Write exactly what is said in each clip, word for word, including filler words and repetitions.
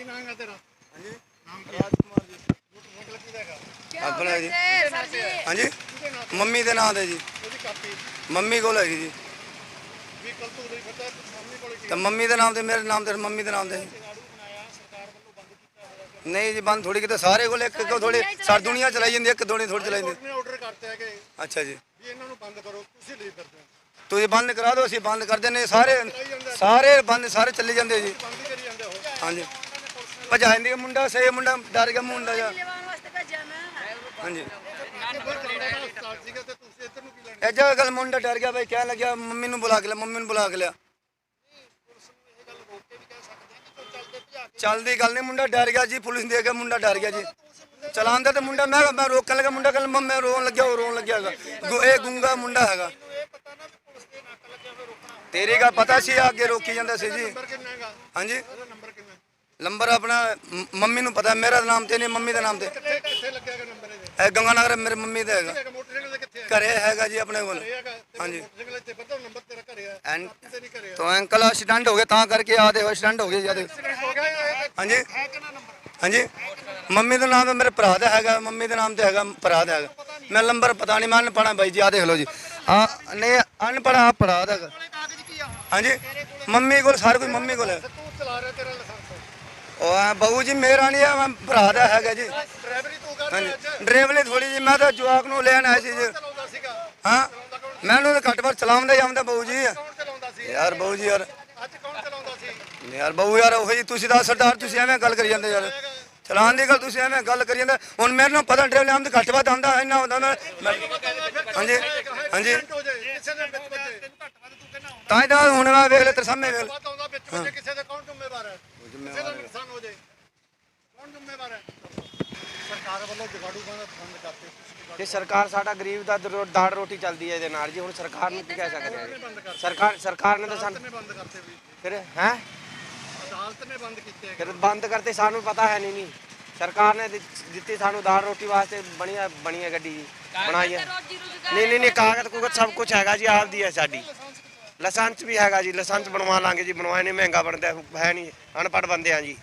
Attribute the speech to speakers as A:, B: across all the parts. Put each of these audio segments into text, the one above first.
A: ਕੀ ਨਾਮ ਹੈ ਤੇਰਾ?
B: ਹਾਂਜੀ
A: ਨਾਮ ਕੀ
B: ਰਾਜਕੁਮਾਰ ਜੀ
A: ਮੋਟਰਸਾਈਕਲ ਕਿਹਦਾ ਹੈਗਾ?
B: ਆਪਣਾ ਜੀ ਹਾਂਜੀ
A: ਕਿਹਦੇ ਨਾਮ ਤੇ?
B: ਮੰਮੀ ਦੇ ਨਾਂ ਤੇ ਜੀ
A: ਉਹਦੀ ਕਾਪੀ
B: ਮੰਮੀ ਕੋਲ ਹੈਗੀ ਜੀ
A: ਵੀ ਕੱਲ ਤੋਂ ਨਹੀਂ ਪਤਾ ਸਾਹਮਣੇ ਕੋਲੇ ਕੀ
B: ਤੇ ਮੰਮੀ ਦੇ ਨਾਮ ਤੇ ਮੇਰੇ ਨਾਮ ਤੇ ਮੰਮੀ ਦੇ ਨਾਮ ਤੇ
A: ਜਗਾੜੂ ਬਣਾਇਆ ਸਰਕਾਰ ਵੱਲੋਂ ਬੰਦ ਕੀਤਾ ਹੋਇਆ।
B: ਨਹੀਂ ਜੀ ਬੰਦ ਥੋੜੀ ਕਿਤੇ ਸਾਰੇ ਕੋਲ ਇੱਕ ਇੱਕ ਥੋੜੀ ਸਾਰੀ ਦੁਨੀਆ ਚਲਾਈ ਜਾਂਦੀ ਇੱਕ ਥੋੜੀ ਥੋੜੀ ਚਲਾਈ ਜਾਂਦੀ
A: ਨੇ ਆਰਡਰ ਕਰਤੇ ਹੈਗੇ
B: ਅੱਛਾ ਜੀ
A: ਵੀ ਇਹਨਾਂ ਨੂੰ ਬੰਦ ਕਰੋ, ਤੁਸੀਂ ਲਈ ਫਿਰਦੇ ਹੋ।
B: ਤੁਸੀਂ ਬੰਦ ਕਰਾ ਦਿਓ ਅਸੀਂ ਬੰਦ ਕਰ ਦਿੰਦੇ ਸਾਰੇ ਸਾਰੇ ਬੰਦ ਸਾਰੇ ਚੱਲੇ ਜਾਂਦੇ ਜੀ
A: ਬੰਦ ਹੀ ਕਰੀ ਜਾਂਦੇ ਹੋ।
B: ਹਾਂਜੀ ਭਜਾ ਜਾਂਦੀ ਮੁੰਡਾ ਸੇ ਮੁੰਡਾ ਡਰ ਗਿਆ ਮੁੰਡਾ ਜਾ ਹਾਂਜੀ
A: ਹਸਪਤਾਲ ਸੀਗਾ ਤੇ ਤੁਸੀਂ ਇੱਧਰ ਨੂੰ ਕੀ ਲੈਣ?
B: ਇਹ ਜਗ੍ਹਾ ਗੱਲ ਮੁੰਡਾ ਡਰ ਗਿਆ ਭਾਈ ਕਹਿਣ ਲੱਗਿਆ ਮੰਮੀ ਨੂੰ ਬੁਲਾ ਕੇ ਲਿਆ ਮੰਮੀ ਨੂੰ ਬੁਲਾ ਕੇ ਲਿਆ ਚੱਲਦੀ ਗੱਲ ਨਹੀਂ ਮੁੰਡਾ ਡਰ ਗਿਆ ਜੀ ਪੁਲਿਸ ਦੇ ਕੇ ਮੁੰਡਾ ਡਰ ਗਿਆ ਜੀ ਚਲਾਉਂਦਾ ਤੇ ਮੁੰਡਾ ਮੈਂ ਮੈਂ ਰੋਕਣ ਲੱਗਾ ਮੁੰਡਾ ਕਹਿੰਦਾ ਮੈਂ ਰੋਣ ਲੱਗਿਆ ਉਹ ਰੋਣ ਲੱਗਿਆ ਹੈਗਾ ਗੁ- ਇਹ ਗੁੰਗਾ ਮੁੰਡਾ ਹੈਗਾ ਤੇਰੀ ਗੱਲ ਪਤਾ ਸੀ ਅੱਗੇ ਰੋਕੀ ਜਾਂਦਾ ਸੀ ਜੀ
A: ਨੰਬਰ ਕਿੰਨਾ ਹੈਗਾ?
B: ਹਾਂਜੀ
A: ਉਹਦਾ ਨੰਬਰ ਕਿੰਨਾ?
B: ਨੰਬਰ ਆਪਣਾ ਮ- ਮੰਮੀ ਨੂੰ ਪਤਾ ਮੇਰਾ ਨਾਮ ਤੇ ਨਹੀਂ ਮੰਮੀ ਦੇ ਨਾਮ ਤੇ
A: ਕਿੱਥੇ ਕਿੱਥੇ ਲੱਗਿਆ ਹੈਗਾ ਨੰਬਰ ਇਹਦੇ?
B: ਇਹ ਗੰਗਾ ਨਗਰ ਮੇਰੇ ਮੰਮੀ ਦਾ ਹੈਗਾ
A: ਹੈਗਾ ਮੋਟਰਸਾਈਕਲ ਦੇ ਕਿੱਥੇ ਹੈ?
B: ਘਰੇ ਹੈਗਾ ਜੀ ਆਪਣੇ ਕੋਲ
A: ਘਰੇ ਹੈਗਾ ਤੇ
B: ਹਾਂਜੀ।
A: ਮੋਟਰਸਾਈਕਲ ਇੱਥੇ ਪਤਾ ਨੰਬਰ ਤੇਰਾ ਘਰੇ ਹੈ
B: ਐਨ
A: ਤੇ ਨਹੀਂ ਘਰੇ ਹੈ।
B: तो अंकल एक्सीडेंट हो गया ता करके आते हो एक्सीडेंट हो गया ज्यादा
A: ਐਕਸੀਡੈਂਟ ਹੋ ਗਿਆ ਇਹ
B: हाँ जी
A: ਹੈ ਕਿੰਨਾ ਨੰਬਰ?
B: हाँ जी मम्मी का नाम है मेरे भरा का हैगा मम्मी के नाम से हैगा भरा का हैगा मैं नंबर पता नहीं मैं अनपढ़ा भाई जी आ देख लो जी हाँ नहीं अनपढ़ा आप भरा का हैगा
A: ਕਾਗਜ਼ ਕੀ ਆ?
B: हाँ जी मम्मी को सारे कुछ मम्मी को है
A: ਤੂੰ ਚਲਾ ਰਿਹਾ ਤੇਰਾ ਲਾਇਸੈਂਸ
B: ओ हाँ, बहू जी मेरा नहीं है मैं भरा का हैगा जी
A: ਡਰਾਈਵਰੀ ਤੂੰ ਕਰ
B: हाँ
A: ਰਿਹਾ
B: जी
A: ਅੱਜ?
B: ड्राइवरी थोड़ी जी मैं तो जवाक नू लेन आया सी जी
A: ਚਲਾਉਂਦਾ ਸੀਗਾ?
B: हाँ मैं घट बार चलाਉਂਦਾ ਜਾਂਦਾ बहू जी
A: ਕੌਣ ਚਲਾਉਂਦਾ ਸੀ?
B: यार बहू जी यार
A: ਅੱਜ ਕੌਣ ਚਲਾਉਂਦਾ ਸੀ?
B: ਯਾਰ ਬਹੂ ਯਾਰ ਉਹ ਜੀ ਤੁਸੀਂ ਦਾ ਸਰਦਾਰ ਤੁਸੀਂ ਐਵੇਂ ਗੱਲ ਕਰੀ ਜਾਂਦੇ ਯਾਰ ਚਲਾਨ ਦੀ ਗੱਲ ਤੁਸੀਂ ਐਵੇਂ ਗੱਲ ਕਰੀ ਜਾਂਦੇ ਹੁਣ ਮੇਰੇ ਨਾਲ ਪਤਾ ਡਰਾਈਵਰ ਆਮ ਤੇ ਘੱਟ ਵੱਧ ਆਉਂਦਾ ਇੰਨਾ ਹੁੰਦਾ ਮੈਂ ਹਾਂਜੀ ਹਾਂਜੀ
A: ਐਕਸੀਡੈਂਟ ਹੋ ਜਾਏ ਕਿਸੇ ਦੇ ਵਿੱਚ ਵੱਜੇ ਤੈਨੂੰ ਘੱਟ ਵੱਧ ਤੂੰ ਕਹਿੰਦਾ ਹੁੰਦਾ
B: ਤਾਂ ਹੀ ਤਾਂ ਹੁਣ ਮੈਂ ਵੇਖ ਲੈ ਤੇਰੇ ਸਾਹਮਣੇ ਵੇਖ ਲੈ।
A: ਵੱਧ ਆਉਂਦਾ ਵਿੱਚ ਵੱਜੇ ਕਿਸੇ ਦੇ ਕੌਣ ਜ਼ਿੰਮੇਵਾਰ ਹੈ? ਕਿਸੇ ਦਾ ਨੁਕਸਾਨ ਹੋ ਜਾਏ ਕੌਣ ਜ਼ਿੰਮੇਵਾਰ ਹੈ? ਸਰਕਾਰ ਵੱਲੋਂ ਜਗਾੜੂ ਬੰਦ ਬੰਦ ਕਰਤੇ ਤੁਸੀਂ
C: ਜੇ ਸਰਕਾਰ ਸਾਡਾ ਗਰੀਬ ਦਾ ਦਰ- ਦਾੜ ਰੋਟੀ ਚੱਲਦੀ ਹੈ ਇਹਦੇ ਨਾਲ ਜੀ ਹੁਣ ਸਰਕਾਰ ਨੂੰ ਕੀ ਕਹਿ ਸਕਦੇ ਹਾਂ
A: ਬੰਦ
C: ਜੀ?
A: ਕਰਤੇ
C: ਸਰਕਾਰ ਸਰਕਾਰ ਨੇ ਤਾਂ
A: ਅਦਾਲਤ
C: ਸਾਨੂੰ
A: ਨੇ ਬੰਦ ਕਰਤੇ ਵੀ
C: ਫਿਰ ਹੈ
A: ਅਦਾਲਤ ਨੇ ਬੰਦ ਕੀਤੇ ਹੈਗੇ।
C: ਫਿਰ ਬੰਦ ਕਰਤੇ ਸਾਨੂੰ ਪਤਾ ਹੈ ਨਹੀਂ ਨਹੀਂ ਸਰਕਾਰ ਨੇ ਦਿੱਤ- ਦਿੱਤੀ ਸਾਨੂੰ ਦਾਲ ਰੋਟੀ ਵਾਸਤੇ ਬਣੀਆ ਬਣੀ ਹੈ ਗੱਡੀ ਜੀ ਬਣਾਈ ਹੈ ਨਹੀਂ ਨਹੀਂ ਨਹੀਂ ਕਾਗਜ਼ ਕੁਗਜ਼ ਸਭ ਕੁਝ ਹੈਗਾ ਜੀ ਆਪਦੀ ਹੈ ਸਾਡੀ ਲਾਇਸੈਂਸ ਵੀ ਹੈਗਾ ਜੀ ਲਾਇਸੈਂਸ ਬਣਵਾ ਲਾਂਗੇ ਜੀ ਬਣਵਾਏ ਨਹੀਂ ਮਹਿੰਗਾ ਬਣਦਾ ਹੈ ਨਹੀਂ ਅਨਪੜ੍ਹ ਬੰਦੇ ਆ ਜੀ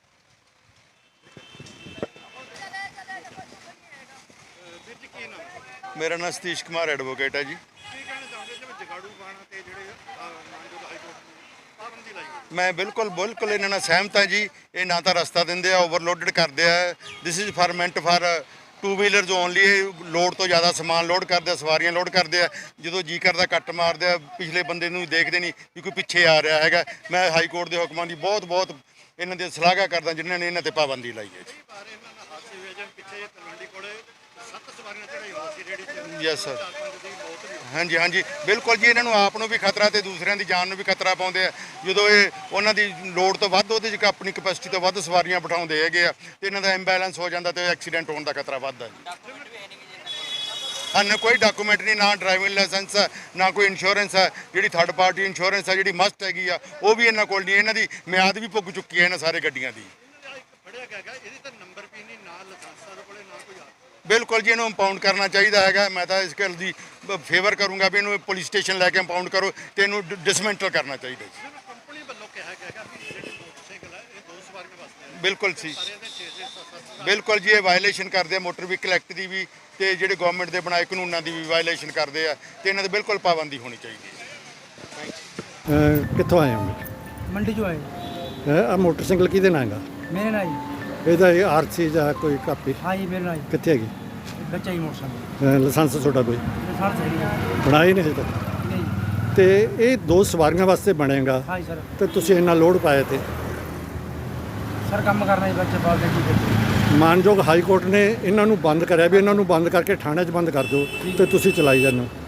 A: ਵੀਰ ਜੀ ਕੀ ਨਾਮ ਹੈ?
D: ਮੇਰਾ ਨਾਮ ਸਤੀਸ਼ ਕੁਮਾਰ ਐਡਵੋਕੇਟ ਹੈ ਜੀ
A: ਕੀ ਕਹਿਣਾ ਚਾਹੁੰਦੇ ਜਿਵੇਂ ਜਗਾੜੂ ਬਾਣਾ ਤੇ ਜਿਹੜੇ ਅਹ, ਮਾਨਯੋਗ ਹਾਈ ਕੋਰਟ ਨੇ ਪਾਬੰਦੀ ਲਾਈ ਹੋਈ?
D: ਮੈਂ ਬਿਲਕੁਲ ਬਿਲਕੁਲ ਇਹਨਾਂ ਨਾਲ ਸਹਿਮਤ ਹਾਂ ਜੀ ਇਹ ਨਾ ਤਾਂ ਰਸਤਾ ਦਿੰਦੇ ਆ ਓਵਰਲੋਡਡ ਕਰਦੇ ਆ this is for meant for two wheelers only ਇਹ ਲੋਡ ਤੋਂ ਜ਼ਿਆਦਾ ਸਮਾਨ ਲੋਡ ਕਰਦੇ ਆ ਸਵਾਰੀਆਂ ਲੋਡ ਕਰਦੇ ਆ ਜਦੋਂ ਜੀ ਕਰਦਾ ਕੱਟ ਮਾਰਦੇ ਆ ਪਿਛਲੇ ਬੰਦੇ ਨੂੰ ਦੇਖਦੇ ਨਹੀਂ ਵੀ ਕੋਈ ਪਿੱਛੇ ਆ ਰਿਹਾ ਹੈਗਾ ਮੈਂ ਹਾਈ ਕੋਰਟ ਦੇ ਹੁਕਮਾਂ ਦੀ ਬਹੁਤ ਬਹੁਤ ਇਹਨਾਂ ਦੀ ਸ਼ਲਾਘਾ ਕਰਦਾ ਜਿਨ੍ਹਾਂ ਨੇ ਇਹਨਾਂ ਤੇ ਪਾਬੰਦੀ ਲਾਈ ਹੈ
A: ਕਈ ਵਾਰ ਇਹਨਾਂ ਨਾਲ ਹਾਦਸੇ ਹੋਏ ਜਿਵੇਂ ਪਿੱਛੇ ਜੇ ਤਲਵੰਡੀ ਕੋਲੇ ਸੱਤ ਸਵਾਰੀਆਂ ਚੜਾਈ ਹੋਈ ਸੀ ਰੇੜੀ ਤੇ
D: ਯੈਸ ਸਰ
A: ਚਾਰ ਪੰਜ ਦੀ ਮੌਤ ਵੀ ਹੋਈ।
D: ਹਾਂਜੀ ਹਾਂਜੀ ਬਿਲਕੁਲ ਜੀ ਇਹਨਾਂ ਨੂੰ ਆਪ ਨੂੰ ਵੀ ਖਤਰਾ ਤੇ ਦੂਸਰਿਆਂ ਦੀ ਜਾਨ ਨੂੰ ਵੀ ਖਤਰਾ ਪਾਉਂਦੇ ਆ ਜਦੋਂ ਇਹ ਉਹਨਾਂ ਦੀ ਲੋਡ ਤੋਂ ਵੱਧ ਉਹਦੇ 'ਚ ਆਪਣੀ ਕਪੈਸਿਟੀ ਤੋਂ ਵੱਧ ਸਵਾਰੀਆਂ ਬਿਠਾਉਂਦੇ ਹੈਗੇ ਆ ਤੇ ਇਹਨਾਂ ਦਾ ਇੰਬੈਲੈਂਸ ਹੋ ਜਾਂਦਾ ਤੇ ਐਕਸੀਡੈਂਟ ਹੋਣ ਦਾ ਖਤਰਾ ਵੱਧਦਾ ਜੀ ਹਨ ਕੋਈ ਡਾਕੂਮੈਂਟ ਨਹੀਂ ਨਾ ਡਰਾਈਵਿੰਗ ਲਾਇਸੈਂਸ ਹੈ ਨਾ ਕੋਈ ਇੰਸ਼ੋਰੈਂਸ ਹੈ ਜਿਹੜੀ ਥਰਡ ਪਾਰਟੀ ਇੰਸ਼ੋਰੈਂਸ ਹੈ ਜਿਹੜੀ ਮਸਟ ਹੈਗੀ ਆ ਉਹ ਵੀ ਇਹਨਾਂ ਕੋਲ ਨਹੀਂ ਇਹਨਾਂ ਦੀ ਮਿਆਦ ਵੀ ਪੁੱਗ ਚੁੱਕੀ ਹੈ ਇਹਨਾਂ ਸਾਰੇ ਗੱਡੀਆਂ ਦੀ
A: ਇਹਨਾਂ ਦਾ ਇੱਕ ਫੜਿਆ ਗਿਆ ਹੈਗਾ ਇਹਦੀ ਤਾਂ ਨੰਬਰ ਵੀ ਨਹੀਂ ਨਾ ਲਾਇਸੈਂਸ ਦੇ ਕੋਲੇ ਨਾ ਕੋਈ ਆ
D: ਬਿਲਕੁਲ ਜੀ ਇਹਨੂੰ ਇੰਪਾਊਂਡ ਕਰਨਾ ਚਾਹੀਦਾ ਹੈਗਾ ਮੈਂ ਤਾਂ ਇਸ ਗੱਲ ਦੀ ਫੇਵਰ ਕਰੂੰਗਾ ਵੀ ਇਹਨੂੰ ਪੁਲਿਸ ਸਟੇਸ਼ਨ ਲੈ ਕੇ ਇੰਪਾਊਂਡ ਕਰੋ ਤੇ ਇਹਨੂੰ ਡਿਸਮੈਂਟਲ ਕਰਨਾ ਚਾਹੀਦਾ ਜੀ
A: ਜਿਹਨੂੰ ਕੰਪਨੀ ਵੱਲੋਂ ਕਿਹਾ ਗਿਆ ਹੈਗਾ ਵੀ ਜਿਹੜੇ ਮੋਟਰਸਾਈਕਲ ਹੈ ਇਹ ਦੋ ਸਵਾਰੀਆਂ ਵਾਸਤੇ ਹੈ
D: ਬਿਲਕੁਲ ਸੀ
A: ਸਾਰੇ ਇਹਦੇ ਛੇ ਛੇ ਸੱਤ ਸੱਤ
D: ਬਿਲਕੁਲ ਜੀ ਇਹ ਵਾਇਲੇਸ਼ਨ ਕਰਦੇ ਆ ਮੋਟਰ ਵਹੀਕਲ ਐਕਟ ਦੀ ਵੀ ਤੇ ਜਿਹੜੇ ਗਵਰਨਮੈਂਟ ਦੇ ਬਣਾਏ ਕਾਨੂੰਨਾਂ ਦੀ ਵੀ ਵਾਇਲੇਸ਼ਨ ਕਰਦੇ ਆ ਤੇ ਇਹਨਾਂ ਤੇ ਬਿਲਕੁਲ ਪਾਬੰਦੀ ਹੋਣੀ ਚਾਹੀਦੀ ਹੈ
E: ਅਹ ਕਿੱਥੋਂ ਆਏ ਹੋ
F: ਮੰਡੀ ਚੋਂ ਆਏ
E: ਆ ਮੋਟਰਸਾਈਕਲ ਕਿਹਦੇ ਨਾਂ ਹੈਗਾ
F: ਮੇਰੇ ਨਾਲ ਜੀ
E: ਇਹਦਾ ਇਹ ਆਰਸੀ ਜਾਂ ਕੋਈ ਕਾਪੀ
F: ਹਾਂ ਜੀ ਮੇਰੇ ਨਾਲ ਜੀ
E: ਕਿੱਥੇ ਹੈਗੀ
F: ਬੱਚਾ ਹੀ ਮੋਟਰਸਾਈਕਲ
E: ਅਹ ਲਾਇਸੈਂਸ ਤੁਹਾਡਾ ਕੋਈ
F: ਸਾਰ ਸਹੀ ਹੈ
E: ਬਣਾਈ ਨਹੀਂ ਹਜੇ ਤੱਕ
F: ਨਹੀਂ
E: ਤੇ ਇਹ ਦੋ ਸਵਾਰੀਆਂ ਵਾਸਤੇ ਬਣੇਗਾ
F: ਹਾਂ ਜੀ ਸਰ
E: ਤੇ ਤੁਸੀਂ ਇੰਨਾ ਲੋਡ ਪਾਇਆ ਤੇ
F: ਸਰ ਕੰਮ ਕਰਨਾ ਜੀ ਬੱਚੇ ਪਾਲਦੇ ਕੀ ਕਰਦੇ
E: ਮਾਨਯੋਗ ਹਾਈ ਕੋਰਟ ਨੇ ਇਹਨਾਂ ਨੂੰ ਬੰਦ ਕਰਿਆ ਵੀ ਇਹਨਾਂ ਨੂੰ ਬੰਦ ਕਰਕੇ ਥਾਣੇ 'ਚ ਬੰਦ ਕਰ ਦਿਓ ਤੇ ਤੁਸੀਂ ਚਲਾਈ ਜਾਂਦੇ ਹੋ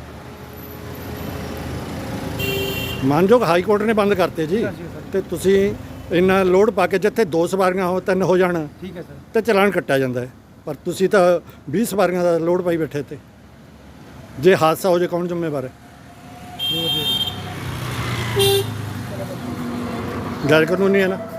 E: ਮਾਨਯੋਗ ਹਾਈ ਕੋਰਟ ਨੇ ਬੰਦ ਕਰਤੇ ਜੀ ਤੇ ਤੁਸੀਂ ਇੰਨਾ ਲੋਡ ਪਾ ਕੇ ਜਿੱਥੇ ਦੋ ਸਵਾਰੀਆਂ ਹੋ ਤਿੰਨ ਹੋ ਜਾਣ
F: ਠੀਕ ਹੈ ਸਰ
E: ਤੇ ਚਲਾਨ ਕੱਟਿਆ ਜਾਂਦਾ ਹੈ ਪਰ ਤੁਸੀਂ ਤਾਂ ਵੀਹ ਸਵਾਰੀਆਂ ਦਾ ਲੋਡ ਪਾਈ ਬੈਠੇ ਤੇ ਜੇ ਹਾਦਸਾ ਹੋ ਜਾਏ ਕੌਣ ਜ਼ਿੰਮੇਵਾਰ ਹੈ ਗੈਰ ਕਾਨੂੰਨੀ ਹੈ ਨਾ